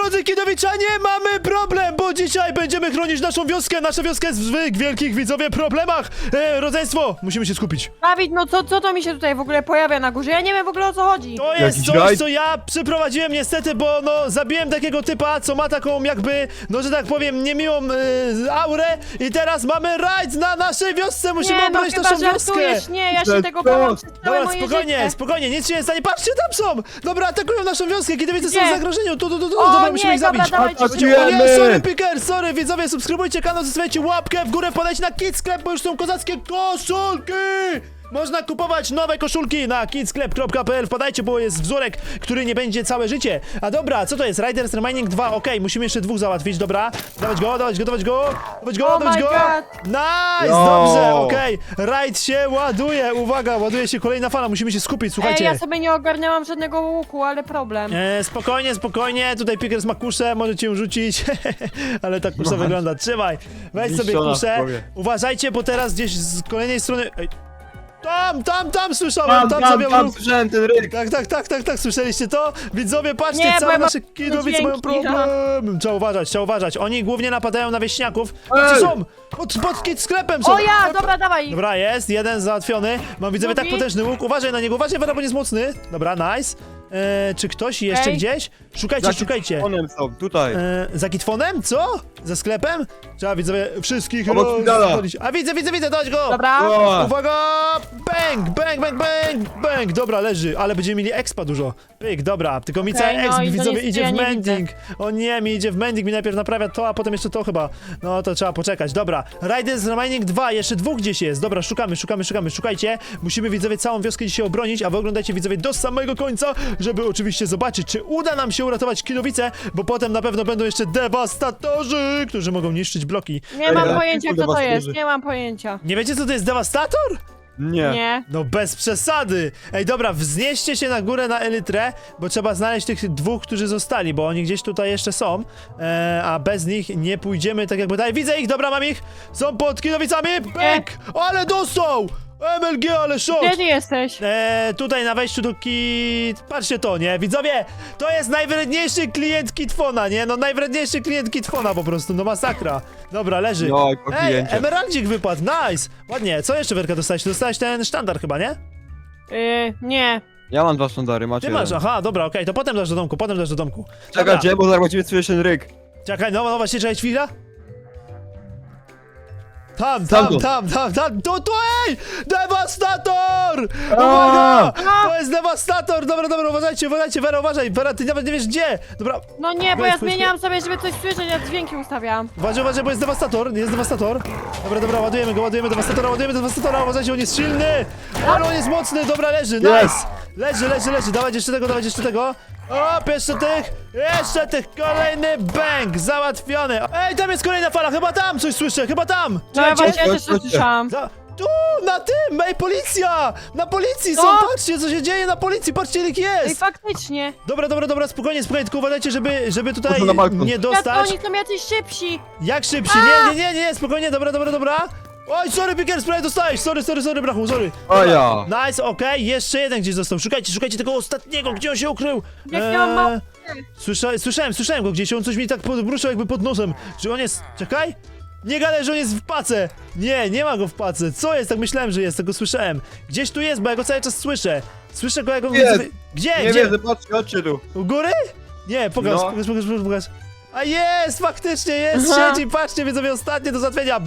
drodzy kidowiczanie, mamy problem, bo dzisiaj będziemy chronić naszą wioskę. Nasza wioska jest w wielkich, widzowie, problemach. Rodzeństwo, musimy się skupić. Dawid, no co to mi się tutaj w ogóle pojawia na górze? Ja nie wiem w ogóle o co chodzi. To jest Jakiś coś, rajd? co ja przeprowadziłem niestety, bo no zabiłem takiego typa, co ma taką jakby, no że tak powiem, niemiłą aurę i teraz mamy rajd na naszej wiosce, musimy Nie, no obronić chyba naszą wioskę. żartujesz, nie, ja się Że tego co? bałam przez całe Dobra, moje spokojnie, życie. spokojnie, nic się nie stanie. Patrzcie, tam są! Dobra, atakują naszą wioskę, kidowice są w Gdzie? zagrożeniu. Tu, O, dobra, nie, musimy ich dobra, zabić. dawajcie Atakujemy! O nie, sorry, Picker, sorry, widzowie, subskrybujcie kanał, zostawiajcie łapkę w górę, podajcie na Kids Sklep, bo już są kozackie koszulki! Można kupować nowe koszulki na kidsklep.pl, wpadajcie, bo jest wzorek, który nie będzie całe życie. A dobra, co to jest? Riders Remaining 2, okej, musimy jeszcze dwóch załatwić, dobra. Dawać go, dawać go, dawać go, dawać go, Oh dawać my go. God. Nice, No. dobrze, okej. Rajd się ładuje, uwaga, ładuje się kolejna fala, musimy się skupić, słuchajcie. Ej, ja sobie nie ogarniałam żadnego łuku, ale problem. Spokojnie, spokojnie, tutaj Pickers ma kuszę, możecie ją rzucić, ale ta kusza wygląda, trzymaj, weź sobie Zniszczona kuszę, w głowie. uważajcie, bo teraz gdzieś z kolejnej strony, ej, tam słyszałem, tam zabiał Tam ruch. słyszałem ten ryk. Tak, słyszeliście to? Widzowie, patrzcie, Nie, bo całe ja mam nasze kidowice mają dźwięki, problem. Trzeba uważać, oni głównie napadają na wieśniaków, gdzie są? Pod kit sklepem są. O ja, dobra, dawaj. Dobra, jest, jeden załatwiony. Mam widzowie tak Drugi? potężny łuk. Uważaj na niego, uważaj, bo nie jest mocny. Dobra, nice. Czy ktoś jeszcze Ej. gdzieś? Szukajcie. Onem są, tutaj. Za kitfonem? Co? Za sklepem? Trzeba widzowie wszystkich Obok Fidala. rozwalić. A widzę, dać go! Dobra. O, Uwaga! Bang! Dobra, leży, ale będziemy mieli expa dużo. Pyk, dobra, tylko mi cały no exp, i to widzowie, niestety idzie ja w nie mending. O nie, mi idzie w mending, mi najpierw naprawia to, a potem jeszcze to chyba. No to trzeba poczekać, dobra. Riders Remaining 2, jeszcze dwóch gdzieś jest. Dobra, szukajcie. Musimy, widzowie, całą wioskę dzisiaj obronić, a wy oglądajcie, widzowie, do samego końca, żeby oczywiście zobaczyć, czy uda nam się uratować kidowice, bo potem na pewno będą jeszcze dewastatorzy, którzy mogą niszczyć bloki. Nie mam Ej, pojęcia, kurde, kto to was jest, wierzy. nie mam pojęcia. Nie wiecie, co to jest dewastator? nie. Nie. No bez przesady! Ej, dobra, wznieście się na górę na Elytrę, bo trzeba znaleźć tych dwóch, którzy zostali, bo oni gdzieś tutaj jeszcze są, a bez nich nie pójdziemy tak jakby dalej. Widzę ich, dobra, mam ich! Są pod kidowicami! Pyk! Ale dostał! MLG, ale szok! Gdzie ty jesteś? Tutaj na wejściu do kit... Patrzcie to, nie? Widzowie, to jest najwredniejszy klient Kitfona, nie? No najwredniejszy klient Kitfona po prostu, no masakra. Dobra, leży. No, po Ej, kliencie. emeraldzik wypadł, nice! Ładnie, co jeszcze, Werka, dostałeś? Dostałeś ten sztandar chyba, nie? Nie. Ja mam dwa sztandary, macie Ty masz, jeden. aha, dobra, okej, to potem dasz do domku, Dobra. Czekajcie, bo zaraz będziemy słyszeć ten ryk. Czekaj, no właśnie, czekaj chwila. Tam, to, ej! Dewastator! Uwaga! To jest dewastator! Dobra, uważajcie, Wera, uważaj, Wera, ty nawet nie wiesz gdzie! Dobra, No nie, bo ja Weź, zmieniałam sobie, żeby coś słyszeć, ja dźwięki ustawiałam. uważaj, bo jest dewastator, Dobra, ładujemy dewastatora, uważajcie, on jest silny! Ale on jest mocny, dobra, leży, nice! Leży, dawać jeszcze tego. O, jeszcze tych, kolejny bang, załatwiony. Ej, tam jest kolejna fala, chyba tam coś słyszę, No ja Czekajcie. właśnie ja też to słyszałam. Tu, na tym, ej, policja! Na policji są, Co? patrzcie, co się dzieje na policji, patrzcie, ile ich Ej, jest! faktycznie. Dobra, spokojnie, tylko uważajcie, żeby tutaj Poszło na balkon. nie Ja dostać. oni są jacyś szybsi. Jak szybsi, nie, spokojnie, dobra. Oj, sorry, Pickers, prawie dostałeś, sorry, brachu, sorry. O ja. Nice, okej, jeszcze jeden gdzieś został, szukajcie tego ostatniego, gdzie on się ukrył. Jak ja mam mało- Słyszałem go gdzieś, on coś mi tak podbruszał jakby pod nosem. Czy on jest, czekaj? Nie gadaj, że on jest w pace! Nie ma go w pace. Co jest? Tak myślałem, że jest, tego słyszałem. Gdzieś tu jest, bo ja go cały czas słyszę. Słyszę go, jak on... Jest. Gdzie? Nie wiem, chodźcie tu. U góry? Nie, pokaż. A jest, faktycznie jest, siedzi, patrzcie, widzowie, ostatnie do zatwienia.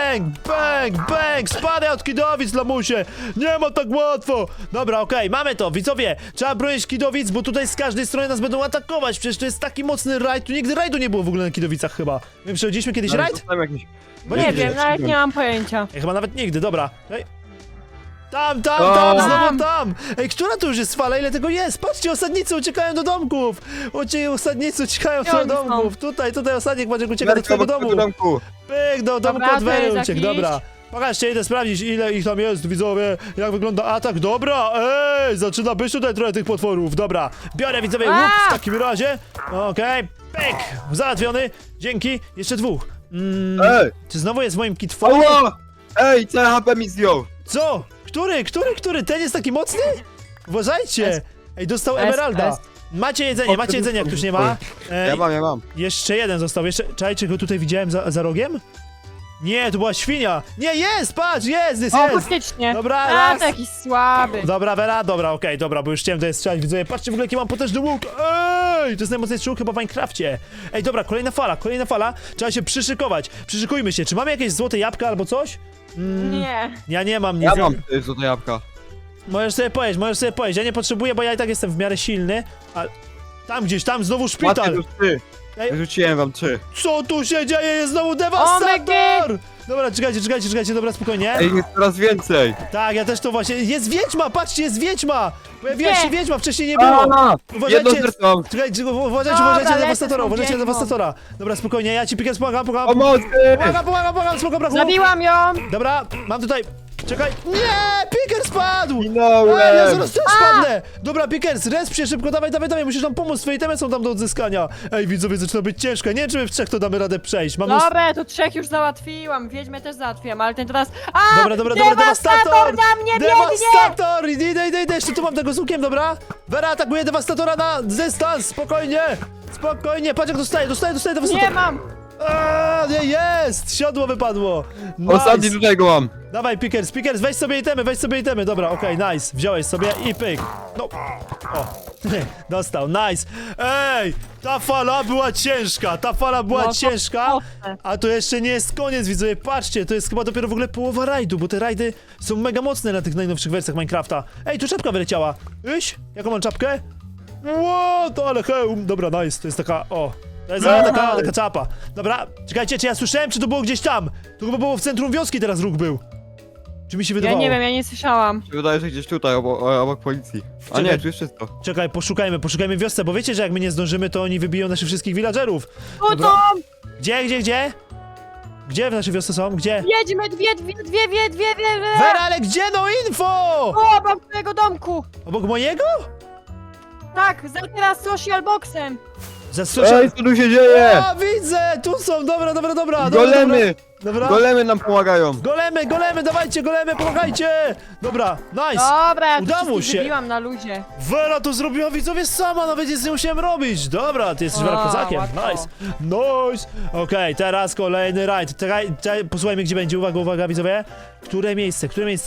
Bang! Spadaj od kidowic, lamusie! Nie ma tak łatwo! Dobra, okej, mamy to, widzowie. Trzeba bronić kidowic, bo tutaj z każdej strony nas będą atakować. Przecież to jest taki mocny rajd. Tu nigdy rajdu nie było w ogóle na kidowicach chyba. My przechodziliśmy kiedyś rajd? Nie wiem, nawet nie mam pojęcia. Chyba nawet nigdy, dobra. Ej. Tam, znowu tam! Ej, która to już jest fala? Ile tego jest? Patrzcie, osadnicy uciekają do domków! Osadnicy uciekają Gdzie do oni są? domków! Tutaj osadnik będzie uciekał do twojego domu! Pyk, do domku Dobra, od Wery to jest uciekł, jakiś. dobra. Pokażcie, idę sprawdzić, ile ich tam jest, widzowie, jak wygląda atak, dobra, ej, zaczyna być tutaj trochę tych potworów, dobra. Biorę, widzowie, łuk w takim razie, okej, pyk, załatwiony, dzięki, jeszcze dwóch. Ej! Czy znowu jest w moim kitfonie? Ała! Ej, całe HP mi zdjął. Co? Który? Ten jest taki mocny? Uważajcie! Ej, dostał emeralda. Macie jedzenie, jak ktoś nie ma. Ja mam. Jeszcze jeden został, jeszcze... Czekajcie, go tutaj widziałem za rogiem? Nie, to była świnia! Nie, jest, patrz, jest! O, faktycznie. Dobra, A, raz. to jakiś słaby. Dobra, Vera, dobra, okej, dobra, bo już chciałem tutaj strzelać, widzowie, patrzcie w ogóle jaki mam potężny łuk! Ej, to jest najmocniejszy łuk chyba w Minecrafcie. Ej, dobra, kolejna fala, trzeba się przyszykujmy się, czy mamy jakieś złote jabłka albo coś? Nie. Ja nie mam nic. Ja mam złote jabłka. Możesz sobie pojeść, ja nie potrzebuję, bo ja i tak jestem w miarę silny, ale... Tam znowu Macie szpital! już 3. Ej. Wyrzuciłem wam 3. Co tu się dzieje? Jest znowu dewastator! Dobra, czekajcie, dobra, spokojnie. Ej, jest coraz więcej. Tak, ja też to właśnie... Jest wiedźma, patrzcie, jest wiedźma! Pojawiła Nie. się wiedźma, wcześniej nie było! Jedno serce mam. Czekajcie, uważajcie Dobra, na lecę dewastatora, z tą uważajcie na wiedźmą. dewastatora. Dobra, spokojnie, ja ci pikę pomagam. Pomocy! Pomagam, spoko, brachu. Zabiłam ją. Dobra, mam tutaj... Czekaj, nie! Piker spadł! Ej, ja Minąłem! zaraz też spadnę! Dobra, Pickers, resp się szybko, dawaj, musisz nam pomóc, twoje itemy są tam do odzyskania. Ej, widzowie, zaczyna być ciężko, nie wiem, czy my w trzech to damy radę przejść. Mam mnóstwo... Dobra, to 3 już załatwiłam. Wiedźmę też załatwiłam, ale ten teraz... A! Dobra, Dewastator na mnie biegnie! Dewastator! Idę, jeszcze tu mam tego z łukiem, dobra? Vera atakuje dewastatora na dystans, spokojnie, patrz jak dostaje dewastator. Nie mam! Nie, jest! Siodło wypadło! Nice. Ostatni tutaj go mam. Dawaj, Pickers, weź sobie itemy, dobra, okej, nice, wziąłeś sobie i pyk. No, o, dostał, nice. Ej, ta fala była ciężka, No, ciężka, mocne. a to jeszcze nie jest koniec, widzowie, patrzcie, to jest chyba dopiero w ogóle połowa rajdu, bo te rajdy są mega mocne na tych najnowszych wersjach Minecrafta. Ej, tu czapka wyleciała. Jaką mam czapkę? Ło, to ale hełm, dobra, nice, to jest taka, to jest taka czapa. Dobra, czekajcie, czy ja słyszałem, czy to było gdzieś tam? To chyba było w centrum wioski teraz ruch był. Czy mi się Ja wydawało? nie wiem, ja nie słyszałam. Wydaje się, że gdzieś tutaj, obok policji. A Czekaj. nie, tu jest wszystko. Czekaj, poszukajmy wiosce, bo wiecie, że jak my nie zdążymy, to oni wybiją naszych wszystkich villagerów. Tu Dobra. są! Gdzie? Gdzie w naszej wiosce są? Gdzie? Wiedźmy, dwie. Vera, ale gdzie? No info! O, obok twojego domku! Obok mojego? Tak, za teraz social boxem. Za social... Ej, co tu się dzieje? O, widzę! Tu są, dobra. Golemy! Dobra. Golemy nam pomagają. Golemy, dawajcie, pomagajcie! Dobra, nice! Dobra, ja Udało tu się. wszystkich wybiłam na luzie. Vera to zrobiła, widzowie, sama, nawet nic nie musiałem robić. Dobra, ty jesteś Vera O, kozakiem, łatwo. nice. Okej, teraz kolejny rajd. Czekaj, posłuchajmy, gdzie będzie, uwaga, widzowie. Które miejsce?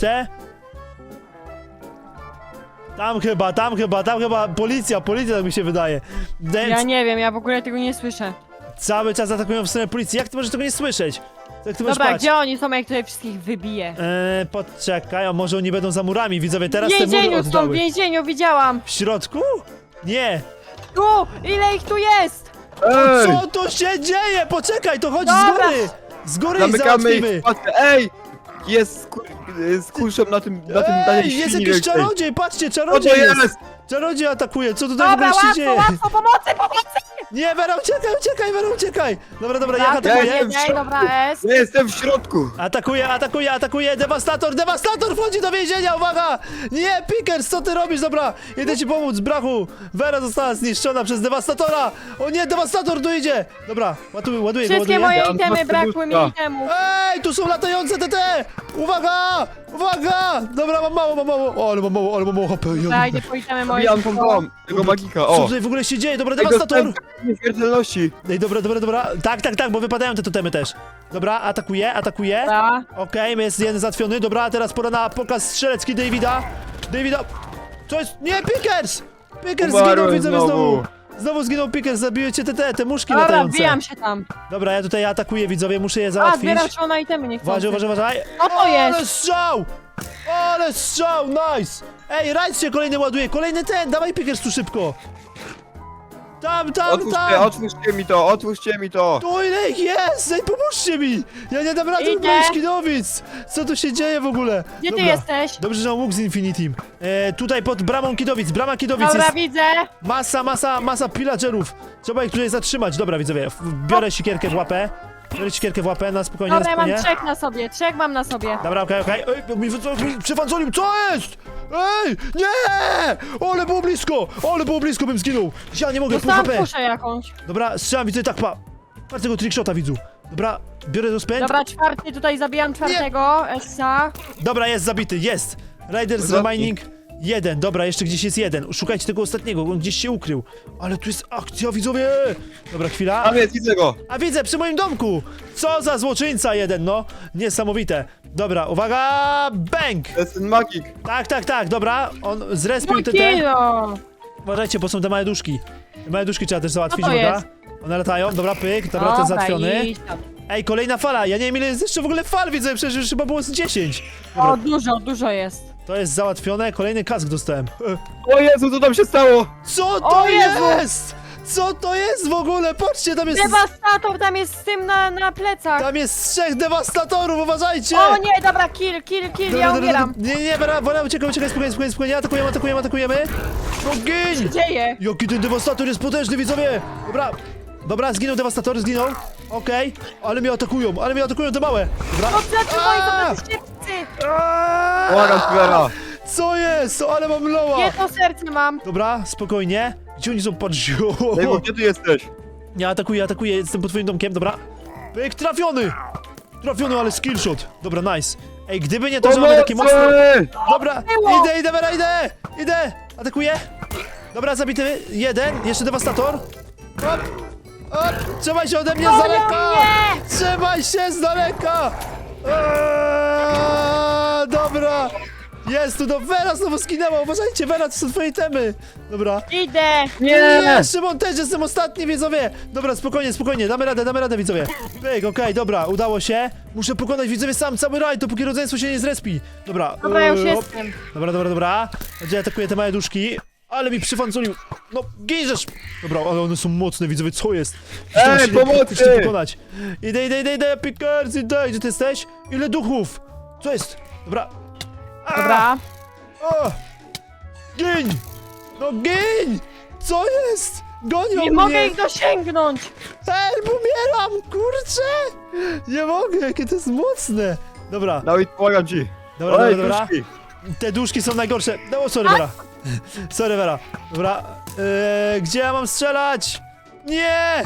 Tam chyba, policja, tak mi się wydaje. Ja nie wiem, ja w ogóle tego nie słyszę. Cały czas atakują w stronę policji, jak ty możesz tego nie słyszeć? Jak ty możesz Dobra, spać? gdzie oni są, jak tutaj wszystkich wybiję? Poczekaj, a może oni będą za murami, widzowie, teraz W te mury więzieniu są, w oddały. więzieniu, widziałam. W środku? Nie. Tu, ile ich tu jest? Ej! Co tu się dzieje? Poczekaj, to chodź Dobra. z góry i Zamykamy ich załatwimy. w paczkę. Ej! Jest z kurszem na tym Ej, jest jakiś czarodziej, patrzcie, Co to czarodziej jest. jest? Czarodziej atakuje, co tutaj w Dobra, ogóle się dzieje? łatwo, pomocy! Nie, Vera, uciekaj. Dobra, jak Ja atakuje? jestem w Ej, dobra, S. Ja jestem w środku. Atakuje, dewastator wchodzi do więzienia, uwaga! Nie, Pickers, co ty robisz? Dobra, idę ci pomóc, brachu. Vera została zniszczona przez dewastatora. O nie, dewastator tu idzie. Dobra, ładuję. Wszystkie moje Ja mam itemy, dwa brakły mi serduszka. itemów. Ej, tu są latające TT! Uwaga! Dobra, mam mało. O, ale mam mało HP. Zajdę po itemy moje. Zabijam tą dom, tego magika, Co o. tutaj w ogóle się dzieje? Dobra, Tego dewastator! nieśmiertelności. Ej, dobra. Tak, bo wypadają te totemy też. Dobra, atakuje. Dobra. Okej, jest jeden załatwiony. Dobra, a teraz pora na pokaz strzelecki Davida. Co jest? Nie, Pickers zginął, Umarłem widzowie, znowu. Znowu zginął Pickers, zabijecie te muszki Dobra, latające. wbijam się tam. Dobra, ja tutaj atakuję, widzowie, muszę je A, załatwić. zbieram szalone itemy, nie chcę. Uważaj. Co to jest? Ale strzał, nice! Ej, rajd się kolejny ładuje, kolejny dawaj Pickers tu szybko. Tam. Otwórzcie mi to. Tu ile ich jest? Ej, pomóżcie mi! Ja nie dam rady Idę. ubrać kidowic! Co tu się dzieje w ogóle? Gdzie ty Dobra. jesteś? Dobrze, że mam łuk z Infinitim. Tutaj pod bramą Kidowic, brama Kidowic Dobra, jest widzę. masa pillagerów. Trzeba ich tutaj zatrzymać. Dobra, widzowie, biorę sikierkę w łapę. Na spokojnie, Dobra, ja mam spokojnie. 3 mam na sobie. Dobra, okej. Ej, mi przyfanzolił, co jest? Ej, nie! Ale było blisko, bym zginął. Ja nie mogę, pół Dostałam HP. kuszę jakąś. Dobra, strzelam, widzę, tak, patrz tego trickshota, widzu. Dobra, biorę rozpęd. Dobra, 4, tutaj zabijam 4. Essa. Dobra, jest zabity, jest! Riders Zabij. Remaining Jeden, dobra, jeszcze gdzieś jest jeden. Szukajcie tego ostatniego, on gdzieś się ukrył. Ale tu jest akcja, widzowie! Dobra, chwila. Tam jest, widzę go. A widzę, przy moim domku! Co za złoczyńca jeden, no! Niesamowite. Dobra, uwaga! Bang! To jest ten magik. Tak, dobra. On zrespił Mój te. kilo! Uważajcie, bo są te małe duszki. Te małe duszki trzeba też załatwić, Co to dobra? jest? One latają, dobra, pyk, dobra, ten załatwiony. idź tam. Ej, kolejna fala, ja nie wiem ile jest jeszcze w ogóle fal, widzę, przecież już chyba było z 10. Dobra, O, dużo jest. to jest załatwione, kolejny kask dostałem. O Jezu, co tam się stało? Co to O Jezu! jest? Co to jest w ogóle? Patrzcie, tam jest... Dewastator tam jest z tym na plecach. Tam jest 3 dewastatorów, uważajcie! O nie, dobra, kill, ja umieram. Nie, Vera, uciekaj, spokojnie, atakujemy. No gin! Dzieje. Jaki ten dewastator jest potężny, widzowie! Dobra, zginął dewastator, zginął. Okej, ale mnie atakują te małe. Dobra. No zatrzymaj Aaa! to na szybcy. Aaa! Błagam, Vera. Co jest? Ale mam loła! Jedno serce mam. Dobra, spokojnie. Gdzie oni są? Patrz. Dejwo, gdzie ty jesteś? Nie, atakuję, jestem pod twoim domkiem, dobra. Pyk, trafiony, ale skillshot. Dobra, nice. Ej, gdyby nie to, że mamy takie mocne... Dobra, Było. idę, Vera, idę! Atakuję. Dobra, zabity jeden, jeszcze dewastator. Trzymaj się ode mnie z daleka! mnie! Trzymaj się z daleka! Dobra. Jest tu, Vera znowu skinęła, uważajcie, Vera, to są twoje temy. Dobra. Idę. Nie, Szymon też jestem ostatni, widzowie! Dobra, spokojnie, damy radę, widzowie. Pyk, okej, dobra, udało się. Muszę pokonać, widzowie, sam cały rajd, dopóki rodzeństwo się nie zrespi. Dobra. Dobra, ja już op. jestem. Dobra. Gdzie atakuję te małe duszki? Ale mi przyfanculił. No, ginżesz! Dobra, ale one są mocne, widzowie, co jest? Ej, pomocy! Muszę pokonać. Idę, Pickers, idę. Gdzie ty jesteś? Ile duchów? Co jest? Dobra. Dobra. O! Gin! No gin! Co jest? Gonią Nie mnie! mogę ich dosięgnąć. Help, umieram, kurczę! Nie mogę, jakie to jest mocne! Dobra, Dawid, pomagam ci. dobra. duszki. Te duszki są najgorsze. No, sorry, Vera. Sorry, Vera. Dobra, gdzie ja mam strzelać? Nie!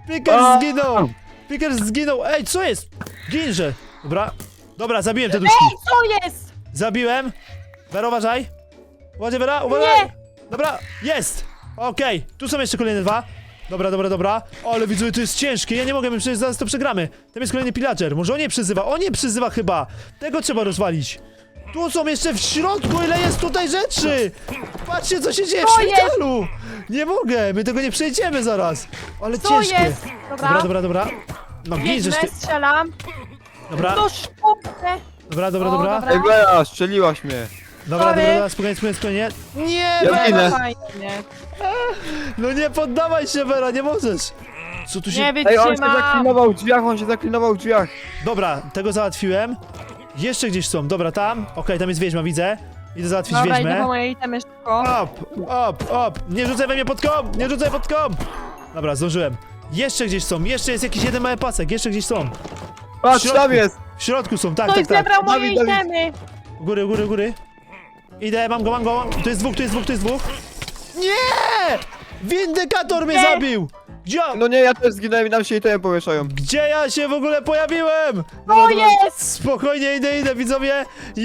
Pickers zginął! Ej, co jest? Ginże! Dobra, zabiłem te duszki. Ej, co jest? Zabiłem. Vera, uważaj. Vera, uważaj. Nie. Dobra, jest. Okej, tu są jeszcze kolejne dwa. Dobra. Ale widzę, to jest ciężkie. Ja nie mogę, my przecież zaraz to przegramy. Tam jest kolejny pillager. Może on nie przyzywa chyba. Tego trzeba rozwalić. Tu są jeszcze w środku, ile jest tutaj rzeczy. Patrzcie, co się dzieje w Co jest? szpitalu. Nie mogę, my tego nie przejdziemy zaraz. Ale Co ciężkie. jest? Dobra. No ginżesz Biegnę, ty. strzelam. Dobra, Do szpukę. dobra. Dobra. Ej, Vera, strzeliłaś mnie. Dobra, Sorry. spokojnie. Nie, Ja Vera. ginę. Fajnie. No nie poddawaj się, Vera, nie możesz. Co tu się... Nie Ej, on się wytrzymam. zaklinował w drzwiach, Dobra, tego załatwiłem. Jeszcze gdzieś są, dobra, tam. Okej, tam jest wiedźma, widzę. Idę załatwić Dobra, idę wiedźmę. po moje itemy szybko. Up! Nie rzucaj we mnie pod kom! Nie rzucaj pod kom! Dobra, zdążyłem. Jeszcze gdzieś są, jeszcze jest jakiś jeden mały pasek, jeszcze gdzieś są. Patrz, środku. tam jest. W środku są, tak. Ktoś zebrał moje Dawid. itemy. Góry. Idę, mam go. Tu jest dwóch. Nie! Windykator mnie zabił! Gdzie? No nie, ja też zginąłem i nam się i te pomieszają. Gdzie ja się w ogóle pojawiłem? O, jest! Spokojnie, idę, widzowie.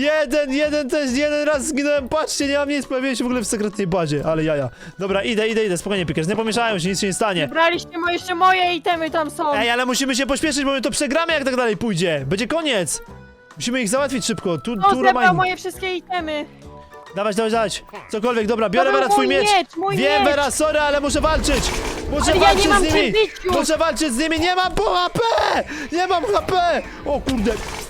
Jeden raz zginąłem, patrzcie, nie mam nic, pojawiłem się w ogóle w sekretnej bazie, ale jaja. Dobra, idę, spokojnie, Pickers, nie pomieszają się, nic się nie stanie. Braliście jeszcze moje itemy tam są. Ej, ale musimy się pośpieszyć, bo my to przegramy, jak tak dalej pójdzie. Będzie koniec. Musimy ich załatwić szybko, tu No, zebrał Romain. moje wszystkie itemy. Dawać. Cokolwiek, dobra, biorę To był Vera twój mój miecz. mój Wiem, miecz. Vera, sorry, ale muszę walczyć. Ale ja nie mam z nimi. czym bić już. Muszę walczyć z nimi, nie mam po HP! Nie mam HP! O kurde.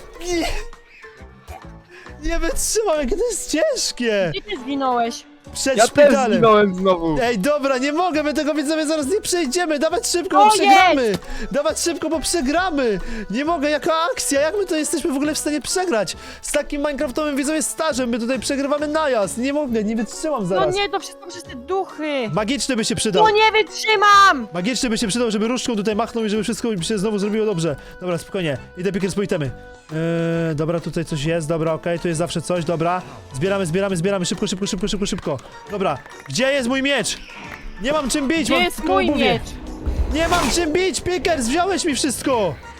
Nie wytrzymam, jakie to jest ciężkie. Gdzie ty zginąłeś? Przed Ja też szpitalem. zginąłem znowu. Ej, dobra, nie mogę, my tego widzowie zaraz nie przejdziemy. Dawać szybko, bo O, przegramy. Dawać szybko, bo przegramy. Nie mogę, jaka akcja, jak my to jesteśmy w ogóle w stanie przegrać? Z takim minecraftowym widzowie stażem, my tutaj przegrywamy najazd. Nie mogę, nie wytrzymam No zaraz. nie, to wszystko przez te duchy. Magiczny by się przydał. No nie wytrzymam. Magiczny by się przydał, żeby różdżką tutaj machnął i żeby wszystko się znowu zrobiło dobrze. Dobra, spokojnie. Idę Pickers po itemy. Dobra, tutaj coś jest, dobra, okej, tu jest zawsze coś, dobra. Zbieramy, szybko. Dobra, gdzie jest mój miecz? Nie mam czym bić, Gdzie mam jest tylko mój obuwie. miecz? Nie mam czym bić, Pickers, wziąłeś mi wszystko!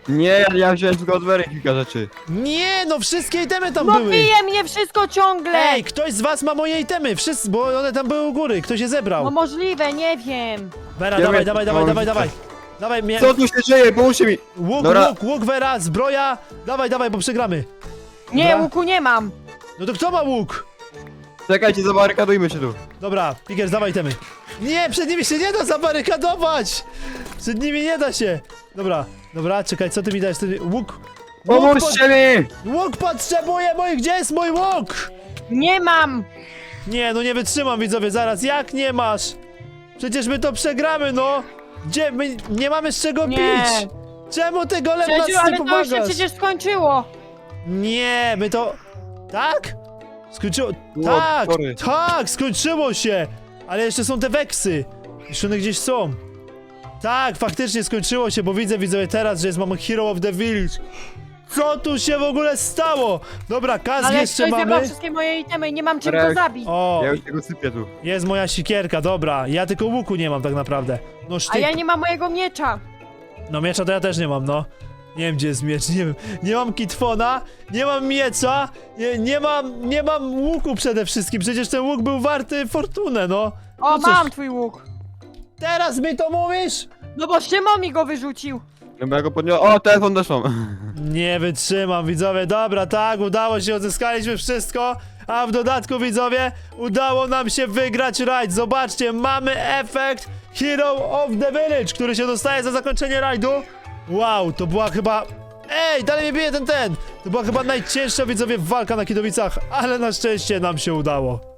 Nie, ja wziąłem tylko od Wery kilka rzeczy. Nie, no wszystkie itemy tam No były. bije mnie wszystko ciągle! Ej, ktoś z was ma moje itemy, wszyscy, bo one tam były u góry, ktoś je zebrał. No możliwe, nie wiem. Vera, Ja dawaj, wiem, dawaj, no, dawaj, dawaj, widzę. dawaj. Dawaj mnie. Co tu się dzieje? Pomóżcie mi! Łuk, Dobra. łuk, Vera, zbroja. Dawaj, dawaj, bo przegramy. Nie, Dobra. łuku nie mam. No to kto ma łuk? Czekajcie, zabarykadujmy się tu. Dobra, Pickers, dawaj itemy. Nie, przed nimi się nie da zabarykadować. Przed nimi nie da się. Dobra, dobra, czekaj, co ty mi dajesz? Łuk. Pomóżcie mi! Łuk potrzebuję mój, gdzie jest mój łuk? Nie mam. Nie, no nie wytrzymam, widzowie, zaraz, jak nie masz? Przecież my to przegramy, no! Gdzie? My nie mamy z czego Nie. pić! Czemu ty golem nas Przecież, nie ale to już się pomagasz? przecież skończyło. Nie, my to... Tak? Skończyło... O, Tak! sorry. Tak! Skończyło się! Ale jeszcze są te weksy! Jeszcze one gdzieś są. Tak, faktycznie skończyło się, bo widzę, widzowie, teraz, że jest mamy Hero of the Village. Co tu się w ogóle stało? Dobra, kask Ale jeszcze ktoś zebrał mamy. wszystkie moje itemy i nie mam czym Rek. go zabić. O, Ja już tego sypię tu. jest moja sikierka, dobra. Ja tylko łuku nie mam tak naprawdę. No A sztyk. ja nie mam mojego miecza. No miecza to ja też nie mam, no. Nie wiem gdzie jest miecz, nie wiem. Nie mam kitfona, nie mam miecza, nie mam łuku przede wszystkim. Przecież ten łuk był warty fortunę, no. O, No cóż. mam twój łuk. Teraz mi to mówisz? No bo Szymon mi go wyrzucił. No bo ja go podniosłem. O, telefon też mam. Nie wytrzymam, widzowie. Dobra, tak, udało się, odzyskaliśmy wszystko. A w dodatku, widzowie, udało nam się wygrać rajd. Zobaczcie, mamy efekt Hero of the Village, który się dostaje za zakończenie rajdu. Wow, to była chyba... Ej, dalej mnie bije ten! To była chyba najcięższa, widzowie, walka na Kidowicach, ale na szczęście nam się udało.